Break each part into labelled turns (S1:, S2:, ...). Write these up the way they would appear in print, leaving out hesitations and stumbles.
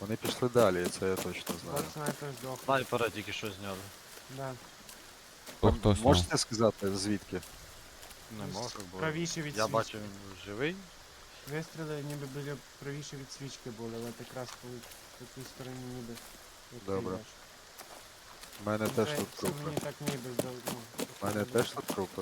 S1: Вони пішли далі, це я точно знаю.
S2: От снайпер здох.
S3: Снайпера тільки що зняли.
S2: Да.
S1: Ви
S4: Хто зняв?
S1: можете сказати звідки?
S3: Не можу, бо
S2: Правіше від
S3: я
S2: свічки.
S3: бачу, він живий.
S2: Вистріли ніби біля правіше від свічки були, але якраз по тій стороні ніби. як ти
S1: Добре.
S2: йдеш.
S1: У мене теж тут
S2: Це
S1: трупи.
S2: мені так ніби здав.
S1: У мене теж тут трупи.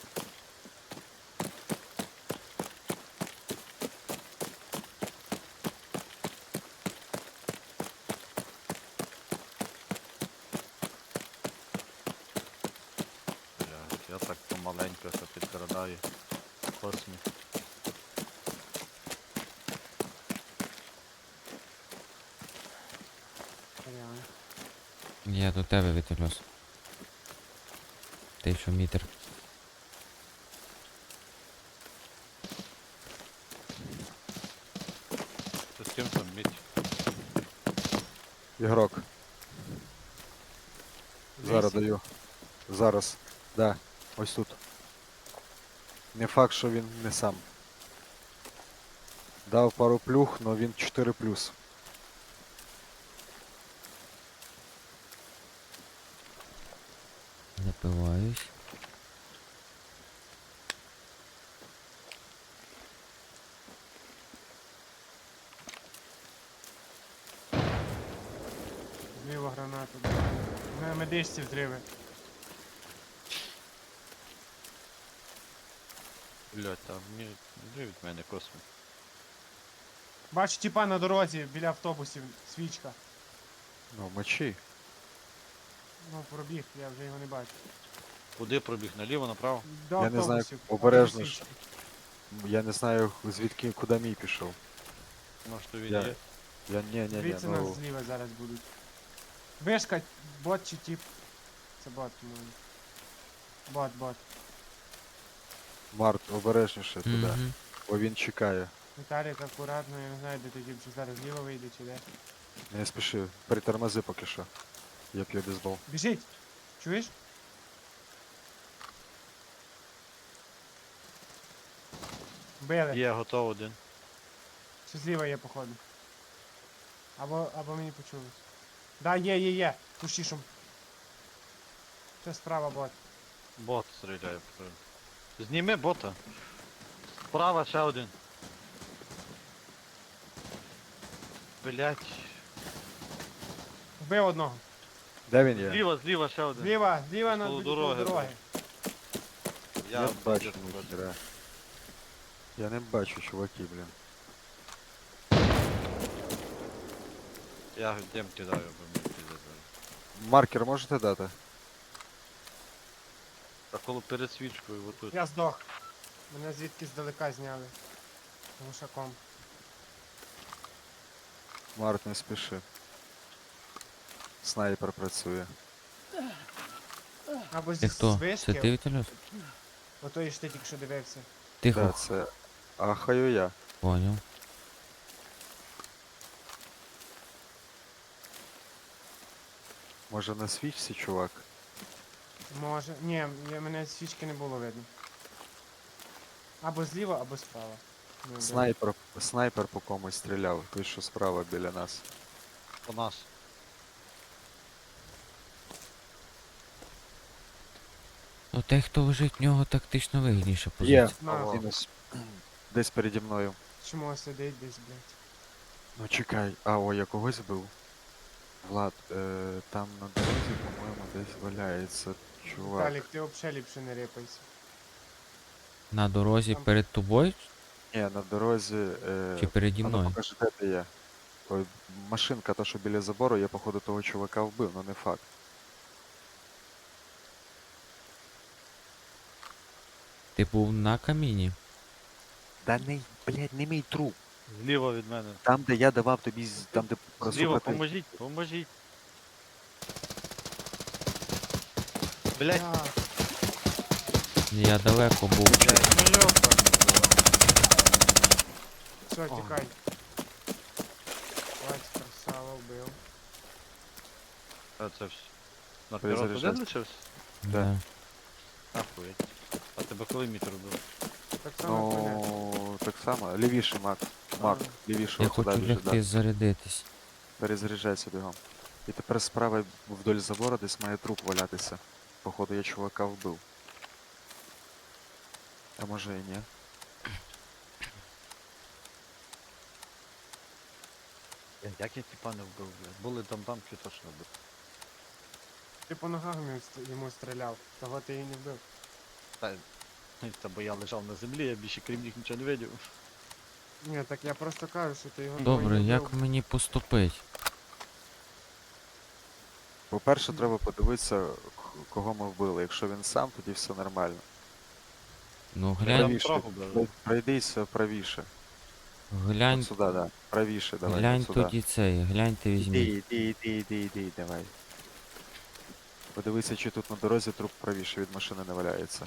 S3: Я так помаленько все підкрадаю. Космі.
S2: Реально.
S4: Я до тебе вітельос. Ти що мітер?
S3: Ти з ким там мідь?
S1: Ігрок. Зараз
S2: Десь.
S1: даю. Зараз. Да. Ось тут. Не факт, що він не сам. Дав пару плюх, но він 4+.
S4: Напиваюсь.
S2: Зліва гранату. На медичці взриви.
S3: Блять, там мені вже від мене космі.
S2: Бачу тіпа на дорозі біля автобусів. Свічка.
S1: Ну, мечі.
S2: Ну, пробіг, я вже його не бачу.
S3: Куди пробіг? Наліво, направо?
S2: До
S1: Я не знаю,
S2: автобусів.
S1: обережно
S2: До
S1: ж.
S2: свічки.
S1: Я не знаю, звідки, куди мій пішов.
S3: Може то він
S1: Я-
S3: є?
S1: Я ні,
S2: Дивіться,
S1: ну,
S2: нас зліва зараз будуть. Вишка, бот чи тип? Це бот, по-моєму. Бот.
S1: Март, обережніше туди,
S4: Мгм.
S1: бо він чекає.
S2: Віталік, акуратно, я не знаю, де ти тип, чи зараз зліва вийде, чи де.
S1: Не спіши, притормози поки що. Я п'ю бейсбол.
S2: Біжить! Чуєш? Били.
S3: Є, готов один.
S2: Чи зліва є, походу. Або мені почулось. Да, є. Кущішом. Це справа бот.
S3: Бот стріляє. Зніми бота. Справа ще один. Блять.
S2: Вбив одного.
S1: Де він є?
S3: Зліва ще один.
S2: Зліва на
S3: Коло
S2: дороги.
S3: дороги.
S1: Я бачу,
S3: бачу.
S1: ніхера. Я не бачу, чуваки, блін.
S3: Я дим кидаю, бо мені піздець.
S1: Маркер можете дати?
S3: Та коло перед свічкою, отут.
S2: Я здох. Мене звідки здалека зняли. Глушаком.
S1: Март, не спіши. Снайпер працює.
S2: Або
S4: Ти
S2: з
S4: хто? Це
S2: вишки.
S4: ти вітельос?
S2: Ото ж ти тільки що дивився.
S4: Тихо.
S1: Да, це ахаю я.
S4: Поняв.
S1: Може на свічці, чувак?
S2: Може. Ні, мене з свічки не було видно. Або зліва, або справа. Не вбив.
S1: Снайпер по комусь стріляв, той що справа біля нас.
S3: По нас.
S4: Ну той, хто лежить, в нього тактично вигідніша
S1: Є,
S4: позиція.
S2: На.
S1: мінус. Десь переді мною.
S2: Чому сидить десь, блядь?
S1: Ну чекай, о, я когось збив. Влад, там на дорозі, по-моєму, десь валяється чувак.
S2: Віталік, ти взагалі ліпше не рипайся.
S4: На дорозі
S2: Там-
S4: перед тобою
S1: Ні, на дорозі.
S4: чи переді
S1: А ну
S4: мною?
S1: покажи, де ти є. Ой, машинка, та що біля забору, я походу того чувака вбив, ну не факт.
S4: Ти був на каміні.
S1: Да не, блядь, не мій труп.
S3: Зліва від мене.
S1: Там, де я давав тобі, там, де
S3: Зліва,
S1: просухати.
S3: поможіть. Блять,
S2: А,
S4: Я далеко був.
S3: ну йопа.
S2: все,
S1: О.
S2: тікай. Бать, красава, вбив.
S3: А це все. На
S1: Перезаряджайся.
S3: пірот один лишився?
S4: Да.
S3: Ахуєть. А тебе коли мітер робив?
S2: Так само понятно.
S1: Ну, так само. Лівіше, Марк. Марк, лівіше,
S4: Я
S1: от туди
S4: хочу
S1: біжи,
S4: лягти зарядитись.
S1: Перезаряджайся бігом. І тепер справа вдоль забору десь має труп валятися. Походу я чувака вбив. А може і ні.
S3: Як я типа не вбив, блядь? Були дамки точно вбив.
S2: Ти по ногах йому стріляв, того ти і не вбив.
S3: Та бо я лежав на землі, я більше крім них нічого не видів.
S2: Ні, так я просто кажу, що ти його
S4: Добре,
S2: не
S4: як
S2: вбив.
S4: мені поступить?
S1: По-перше, треба подивитися, кого ми вбили. Якщо він сам, тоді все нормально.
S4: Ну
S3: Я
S4: глянь,
S1: Правіше.
S3: трохи вбив.
S1: Пройдися правіше.
S4: глянь,
S1: От сюди, да. Правіше, давай.
S4: глянь
S1: от сюди.
S4: тоді цей, гляньте візьміть.
S1: Іди, давай. Подивися, чи тут на дорозі труп правіше від машини не валяється.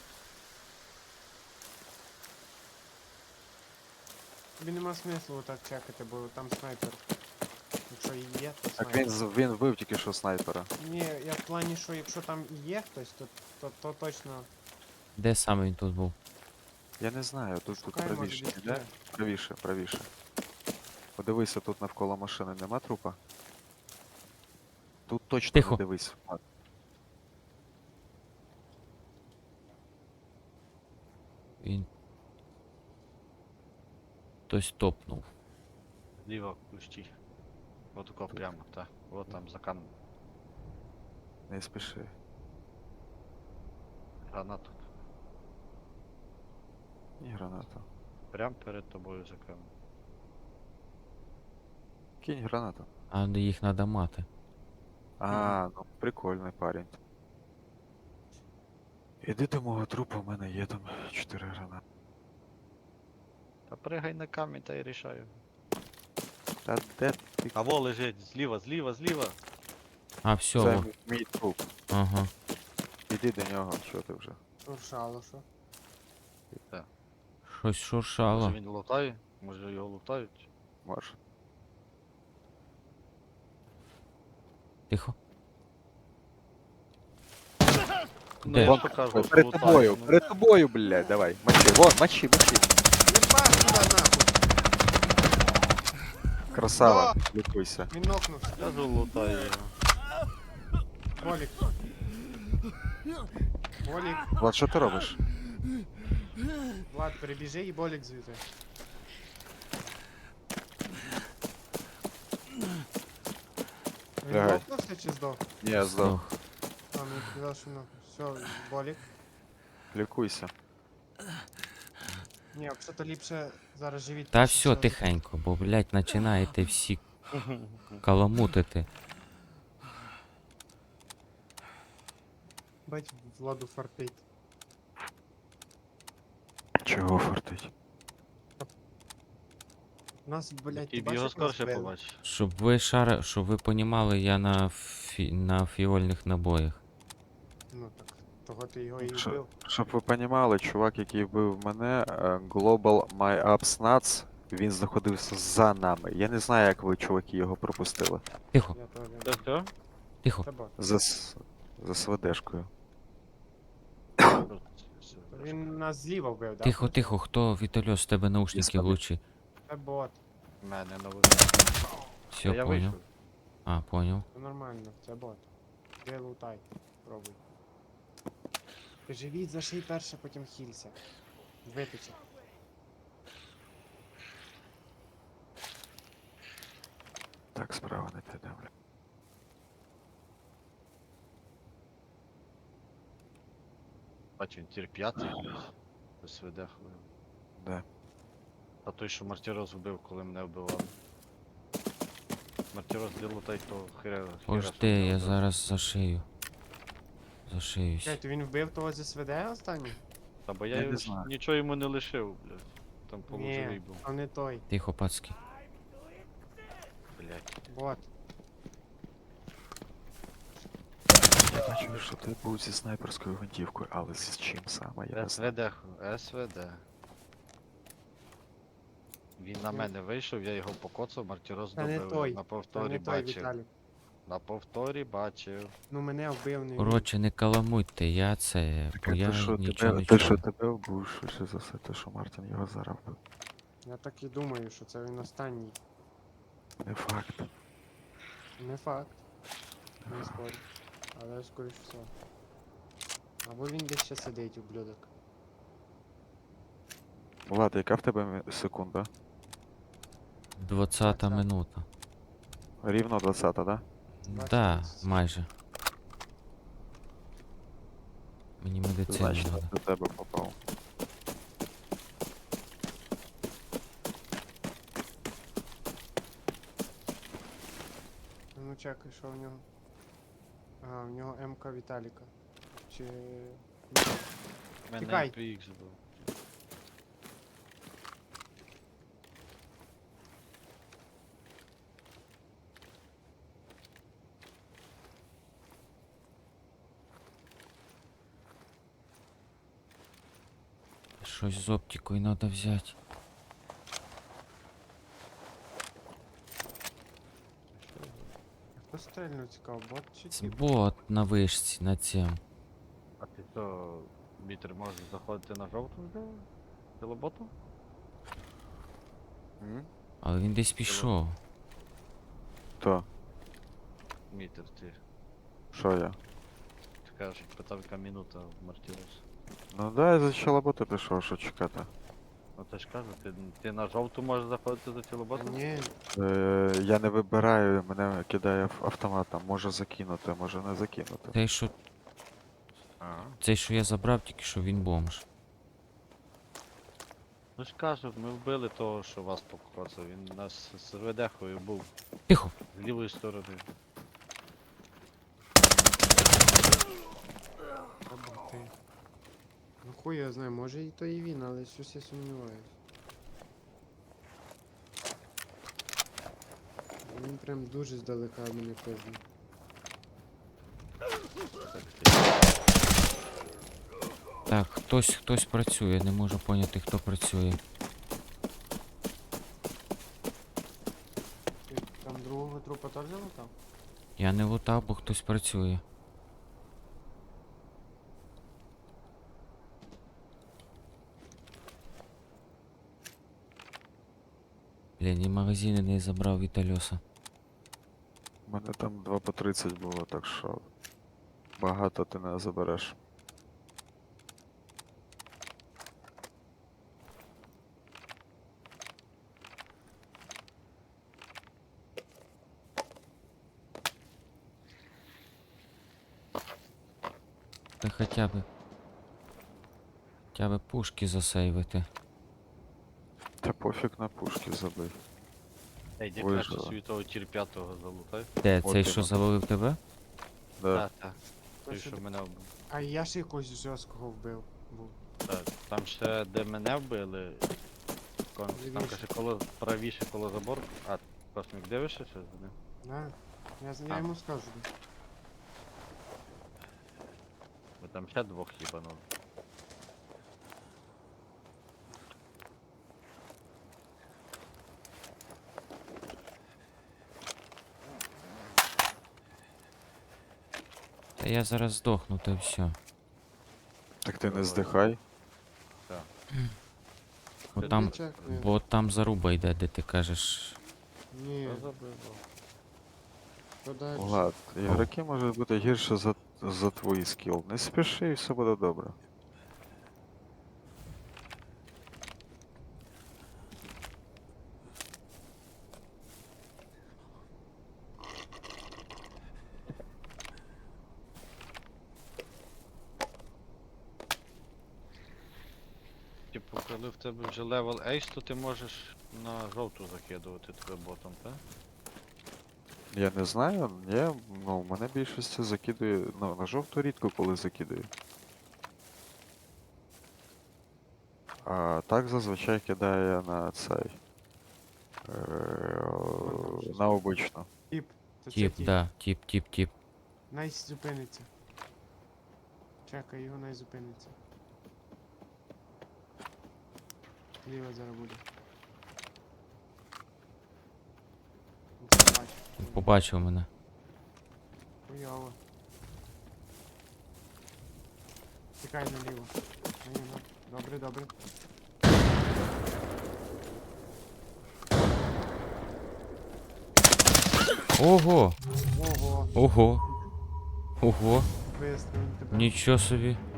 S2: Тобі нема смислу так чекати, бо там снайпер. Якщо і є, то
S1: Так
S2: снайпер.
S1: він вбив тільки що снайпера.
S2: Ні, я в плані, що якщо там і є хтось, то точно
S4: Де саме він тут був?
S1: Я не знаю, тут
S2: шукаємо
S1: правіше,
S2: десь
S1: іде? Правіше, правіше. Подивися, тут навколо машини нема трупа? Тут точно
S4: Тихо.
S1: не дивись.
S4: Він. Хтось топнув.
S3: Зліва кущі. От тако прямо, так. От там за камнем.
S1: Не спіши.
S3: Гранату.
S1: Ні, гранату.
S3: Прям перед тобою за камнем.
S1: Кинь гранату.
S4: А їх треба мати.
S1: А, ну прикольний парень. Іди до мого трупа, у мене є там 4 гранати.
S3: Та пригай на камінь та й рішаю.
S1: Та де ти?
S3: А во лежить, зліва, зліва, зліва.
S4: А, все,
S1: Це
S4: о,
S1: мій труп.
S4: ага.
S1: Іди до нього, що ти вже?
S2: шуршало, що.
S3: Так.
S4: Щось шуршало.
S3: Може він лутає? Може його лутають?
S1: Може.
S4: Тихо.
S3: Ну,
S4: Де?
S3: я
S1: Вон,
S3: ж кажу, що
S1: перед
S3: лутають,
S1: тобою,
S3: ну.
S1: перед тобою, блядь, давай. Мочи, вон, мочи.
S2: Єбаш туди нахуй!
S1: Красава, лікуйся.
S2: Він нокнувся.
S3: Я ж лутаю його.
S2: Болік. Болік.
S1: Влад, що ти робиш?
S2: Влад, перебіжи і болік звідти. Він
S1: Лягай.
S2: нокнувся чи здох?
S1: Ні, я здох.
S4: Здох.
S2: А, мені сказав, що нокнувся. Все, болік.
S1: Лікуйся.
S2: Ні, взагалі ліпше зараз живіть.
S4: Та
S2: тише,
S4: все, тихенько, бо, блядь, починаєте всі каламутити.
S2: Бать, Владу фартить.
S1: Чого фортить?
S2: Нас, блядь,
S3: І
S2: ти
S3: б його
S2: бачиш, як нас
S3: скорше
S2: били?
S3: побачиш.
S4: Щоб ви понімали, я на фіольних набоях.
S2: Ну так, того ти його і
S1: Що?
S2: вбив.
S1: Щоб ви понімали, чувак, який вбив мене, Global My Ups Nuts, він знаходився за нами. Я не знаю, як ви, чуваки, його пропустили.
S4: Тихо,
S2: Я теж.
S3: Це все?
S4: тихо.
S2: Це бот.
S1: За СВДшкою.
S2: Він нас зліва вбив, да?
S4: Тихо, тихо, хто Вітальос, з тебе наушники
S1: Дістану.
S4: влучі.
S2: Це бот.
S3: У мене новий.
S4: Все,
S3: Я
S4: понял.
S3: вийшов.
S2: Ну,
S4: А, понял.
S2: Це нормально, це бот. Де лутай. Пробуй. Ти живіть, заший перше, потім хілься. Витече.
S1: Так, справа не те бля.
S3: Бачу, він тір п'ятий. СВД хвилин.
S1: Да.
S3: А той, що Мартіроз вбив, коли мене вбивали. Мартіроз де лутай, то хіра.
S4: Пожди, я зараз зашию. Зашиюсь.
S2: Чекай, то він вбив того зі СВД останній?
S3: Та бо
S1: Я
S3: я
S1: не
S3: його
S1: знаю.
S3: нічого йому не лишив, блядь. Там полуживий
S2: Ні,
S3: був.
S2: а не той.
S4: Тихо, пацки.
S3: Блядь.
S2: Бот.
S1: Я бачу, що ти був зі снайперською гвинтівкою, але з чим саме, я не знаю.
S3: СВД, СВД. Він на
S2: Ну.
S3: мене вийшов, я його покоцав, Мартіроз
S2: Та не
S3: добив.
S2: той,
S3: Я на
S2: Це
S3: повторі
S2: не той
S3: бачив.
S2: Віталік.
S3: На повторі бачив.
S2: Ну мене вбив не він.
S4: Коротше, не каламуйте, я це.
S1: Так,
S4: Бо
S1: а
S4: я
S1: ти що,
S4: нічого не
S1: ти що
S4: чую.
S1: тебе вбив, швидше за все, те, що Мартін його зараз вбив.
S2: Я так і думаю, що це він останній.
S1: Не факт.
S2: Не факт. Не спорю. Але скоріш всього. Або він десь ще сидить, ублюдок.
S1: Влад, яка в тебе секунда?
S4: 20-та
S2: 20.
S4: минута.
S1: Рівно 20, да?
S4: Да,
S2: 20.
S4: майже. Мені медицину
S1: Значить,
S4: треба.
S1: до тебе попав.
S2: Ну чекай, що в нього. Ага, в нього МК Віталіка. Чи.
S3: У мене
S2: Тікай.
S3: PX був.
S4: Щось з оптикою треба взяти.
S2: Хто стрельнув цікаво, бот чи
S4: Це
S2: тіп?
S4: бот на вишці, на цьому.
S3: А ти що, Вітер може заходити на жовту вже? Тілоботу?
S1: М?
S4: Але він десь пішов.
S1: То,
S3: Вітер, ти
S1: що я?
S3: кажеш, питав, яка минута в Мартірус.
S1: Ну да, я за чолоботу пішов, що чекати.
S3: Ну ти ж кажу, ти на жовту можеш заходити за тілоботу?
S2: Ні,
S1: Я не вибираю, мене кидає автоматом. Може закинути, може не закинути.
S3: А.
S4: Цей, що я забрав, тільки що він бомж.
S3: Ну ж кажу, ми вбили того, що вас покоцав. Він у нас з ВДХою був
S4: Тихо!
S3: з лівої сторони.
S2: треба ти. Ну хуй я знаю, може і то і він, але щось я сумніваюсь. Він прям дуже здалека мене пиздить.
S4: Так, хтось працює, не можу поняти, хто працює.
S2: Ти там другого трупа теж залутав?
S4: Я не лутав, бо хтось працює. Блін, і магазини не забрав Вітальоса.
S1: У мене там 2 по 30 було, так що багато ти не забереш.
S4: Та хоча б пушки засейвити.
S1: Та пофіг на пушки забий.
S3: Ей, де
S1: Ой,
S3: краще
S1: жила.
S3: собі того тір 5-го залутай.
S4: Де,
S1: От
S4: цей, що
S1: іменно.
S4: завалив тебе?
S1: Да.
S3: Так, так. Той,
S2: що
S3: що
S2: ти-
S3: мене вбив.
S2: А я ж якогось жорсткого вбив. Був.
S3: Так, там ще де мене вбили. Там
S2: Лівіше.
S3: каже коло правіше коло забору. А, космік дивишся чи за ним?
S2: Да? Я
S3: А.
S2: йому скажу.
S3: Бо там ще двох їбанув.
S4: Та я зараз здохну, та все.
S1: Так ти не здихай.
S4: Бо
S3: Ти
S4: там,
S3: дуже
S2: Чекаю.
S4: бо там заруба йде, де ти кажеш.
S2: Ні,
S3: Що забило?
S2: то далі.
S1: Влад, ігроки можуть бути гірше за твій скіл. Не спіши і все буде добре.
S3: Типу, коли в тебе вже левел ейс, то ти можеш на жовту закидувати тебе ботом, так?
S1: Я не знаю, ну, в мене більшості закидує, ну, на жовту рідко коли закидаю. А так зазвичай кидає на цей. На обичну.
S2: Тіп. То це
S4: Тіп,
S2: тіп.
S4: да, тіп.
S2: Найс зупиниться. Чекай, його най зупиниться. Ліва зараз буде. Це бачу.
S4: Побачив мене.
S2: Хуйово. Тікай наліво. Наліво. Добре, добре.
S4: Ого!
S2: Ого,
S4: Ого! Ого!
S2: вистрілив тебе.
S4: Нічого собі.